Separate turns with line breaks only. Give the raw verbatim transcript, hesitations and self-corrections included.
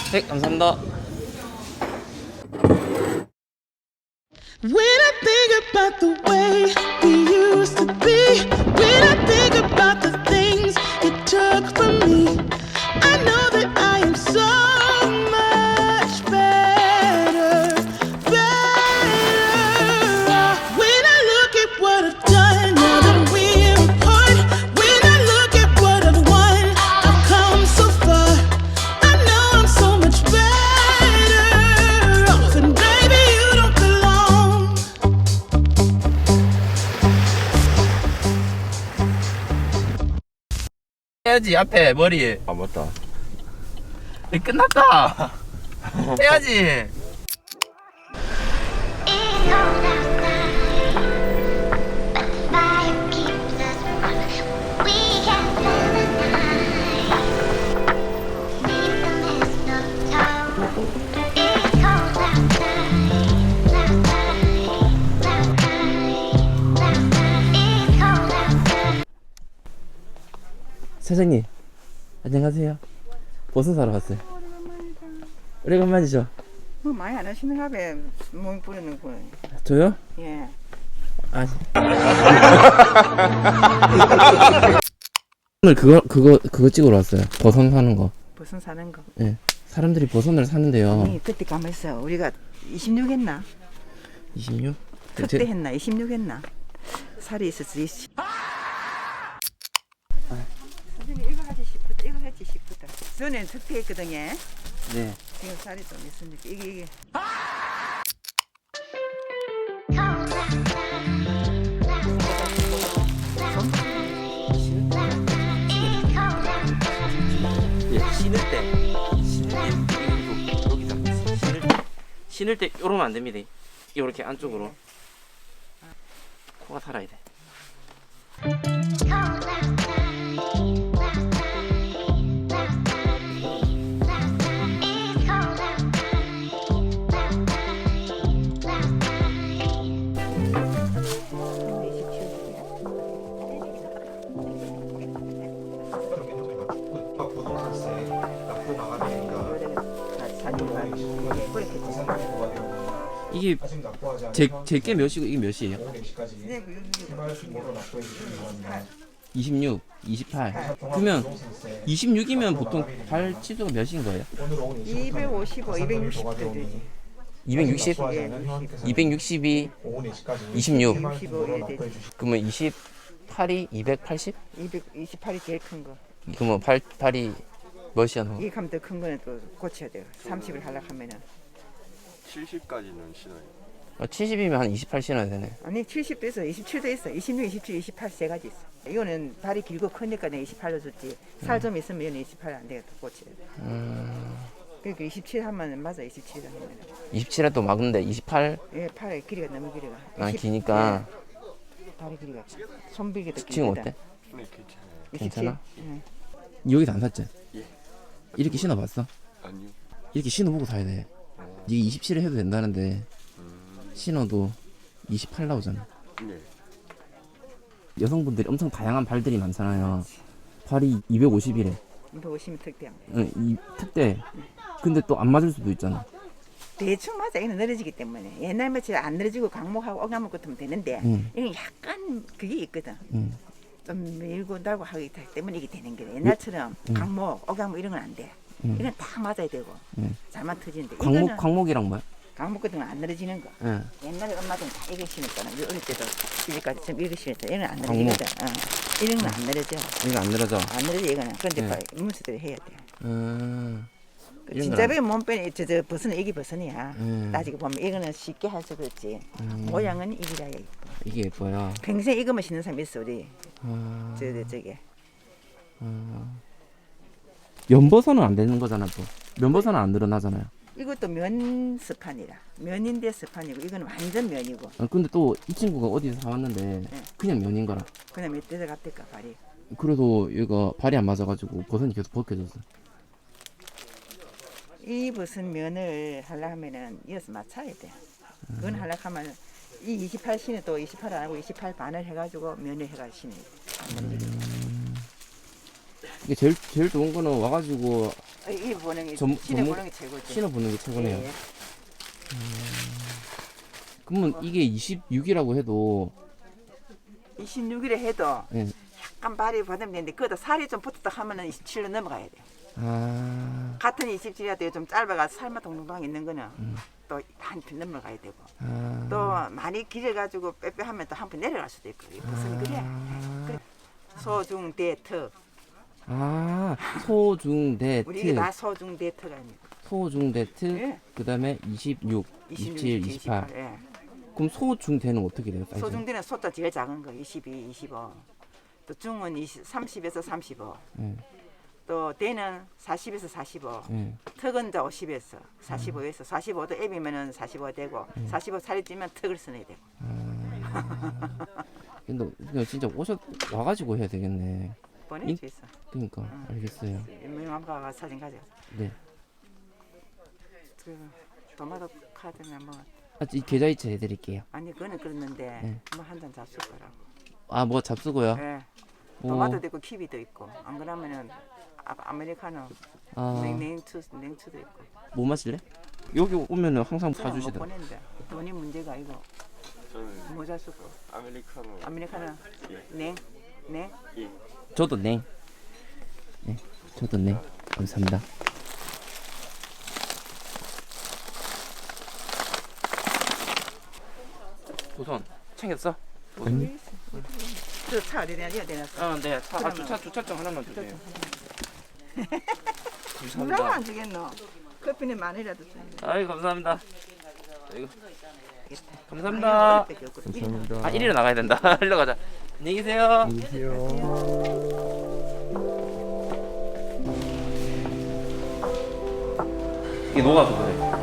네, 감사합니다.
When I think about the way we used to be, when I think about the things you took from me, I know that I am so much better, better off. When I look at what I've done now that we're apart, when I look at what I've won, I've come so far. I know I'm so much better off, and baby, you don't belong.
해야지 앞에 머리.
아 맞다.
이 끝났다. 해야지. 사장님 안녕하세요. 버섯 사러 왔어요. 오래간만이죠?
뭐 많이 안 하시는가 봐. 몸 뿌리는 거.
저요?
예.
아니. 오늘 그거 그거 그거 찍으러 왔어요. 버섯 사는 거.
버섯 사는 거.
예. 사람들이 버섯을 사는데요.
아니, 그때 가만있어. 우리가 이십육 했나?
이십육?
그때 했나? 이십육 했나? 살이 있었지. 이십. 선생님 이거 하지 싶었다. 이거 했지 싶었다. 전에 특태했거든요.
네.
지금 살이 좀 있으니까 이게 이게.
예, 신을 때 신을 때 여기서 여기서 신을 때 신을 때 이러면 안 됩니다. 이렇게 안쪽으로 코가 살아야 돼. 이게 제제게 몇이고 이게 몇이에요? 이십육, 이십팔. 그러면 이십육이면 보통 발 치수가 몇인 거예요?
이백오십오, 이백육십 도 되지.
이백육십? 이백육십이 이십육.
육십오 이래 되지.
그러면 이십팔이 이백팔십?
이백이십팔이 제일 큰 거.
그러면 팔, 팔이 몇이야 너?
이 가면 더 큰 거는 또 고쳐야 돼요. 삼십을 하려고 하면은.
칠십까지는 신어요.
어, 칠십이면 한 이십팔 신어야 되네.
아니 칠십도 있어, 이십칠도 있어, 이십육, 이십칠, 이십팔 세 가지 있어. 이거는 발이 길고 크니까 내가 이십팔로 줬지. 살 좀 있으면 얘는 이십팔 안 되겠다, 고쳐야 돼.
음...
그러니까 이십칠 하면 맞아, 이십칠 하면.
이십칠에 또 막는데 이십팔?
예, 팔의 길이가 너무 길어가.
아
이십,
기니까
예, 발의 길이가 손비기도 길다.
지금 어때?
네 괜찮아요.
괜찮아?
예.
여기도 안 샀지?
예.
이렇게 신어봤어?
아니요.
이렇게 신어보고 사야 돼. 이게 이십칠에 해도 된다는데 신어도 이십팔 나오잖아.
네.
여성분들이 엄청 다양한 발들이 많잖아요. 발이 이백오십이래.
이백오십이 특대야.
응, 이 특대. 근데 또 안 맞을 수도 있잖아.
대충 맞아. 이는 늘어지기 때문에. 옛날 며칠 안 늘어지고 강목하고 어감목 같으면 되는데
응.
이건 약간 그게 있거든.
응.
좀 밀고 달고 하기 때문에 이게 되는 거야. 옛날처럼
응.
강목, 어감목 이런 건 안 돼.
응.
이건 딱 맞아야 되고
응.
잘만 터지는데
광목,
이거는
광목이랑 뭐야?
강목 같은 건 안 늘어지는 거.
응.
옛날에 엄마들은 다 이거 신었잖아. 우리 어릴 때도 이제까지 좀 이거 신었어. 이건 안
강목.
늘어지거든. 어. 이런 건 안 늘어져.
이거 안 늘어져.
안 늘어져 이거는. 그런데
네.
봐, 문수들이 해야 돼.
음.
그
이런
진짜
건
배 몸빼 저저 버섯은 이게 버섯이야.
음.
따지고 보면 이거는 쉽게 할수 그렇지.
음.
모양은 이기라 이뻐.
이게 예뻐요.
평생 이거만 신는 사람이 있어 우리.
아.
저, 저 저게.
면버섯은 안 되는 거잖아 또. 면버섯은 안 늘어나잖아요.
이것도 면 스판이라. 면인데 스판이고 이거는 완전 면이고.
아, 근데 또 이 친구가 어디서 사왔는데 그냥 면인 거라.
그냥 몇 대서 갔을까 발이.
그래도 얘가 발이 안 맞아가지고 버섯이 계속 벗겨졌어.
이 무슨 면을 하려 하면은 이어서 맞춰야 돼. 그건 하려 하면 이 이십팔 신을 또 이십팔 안 하고 이십팔 반을 해가지고 면을 해가 신이.
이게 제일 제일 좋은 거는 와가지고
이 보는 게
전-
신을
전문-
보는 게 최고지.
신어 보는 게 최고네요.
예, 예.
그러면 이게 이십육이라고 해도
이십육 일에 해도
예.
약간 발이 받으면 되는데 그거다 살이 좀 붙었다 하면은 이십칠로 넘어가야 돼.
아,
같은 이십칠이라도 좀 짧아가서 살만 동동방 있는 거는
음.
또 한 편 넘어가야 되고
아,
또 많이 길어가지고 빼빼하면 또 한 편 내려갈 수도 있고 이 무슨 그래. 그래. 소중대트
아, 소중대트,
우리 이게 다 소중대트가 아닙니까?
소중대트,
예.
그 다음에 이십육, 이십칠, 이십팔.
예.
그럼 소중대는 어떻게 돼요? 사이즈?
소중대는 소자 제일 작은 거 이십이, 이십오. 또 중은 이십, 삼십에서 삼십오.
예,
또 대는 사십에서 사십오.
예.
턱은 이제 오십에서 사십오에서 사십오도 앱이면은 사십오 되고 사십오 살이 찌면 턱을 써내야 되고.
근데 그냥 진짜 오셔 와가지고 해야 되겠네.
보낼 수 있어.
그러니까 알겠어요.
유명한 가가 사진 가져.
네.
그 도마도 카드는 뭐
아, 이 계좌이체 해드릴게요.
아니 그거는 그랬는데
네.
뭐 한 잔 잡술 거라고.
아, 뭐 잡수고요.
예.
오.
도마도 있고 키위도 있고 안 그러면은 아, 아메리카노
아,
냉, 냉추 냉추도 있고.
뭐 마실래? 여기 오면은 항상
그냥 못
사주시더라.
보낸다. 돈이 문제가 아니고
저는
모자 쓰고
아메리카노.
아메리카노 냉 냉.
예.
저도 냉. 네, 저도 냉. 감사합니다. 우선 챙겼어?
저차 어디 내야 되나?
어, 네. 차, 아,
그러면-
주차 주차증 하나만 주세요.
누라고
감사합니다.
안 주겠노? 커피는 만이라도 줘야 돼.
아이, 감사합니다. 이거 감사합니다.
감사합니다.
아, 이리로 나가야 된다. 일로 가자. 안녕히 계세요.
안녕히 계세요.
이게 녹아서 그래.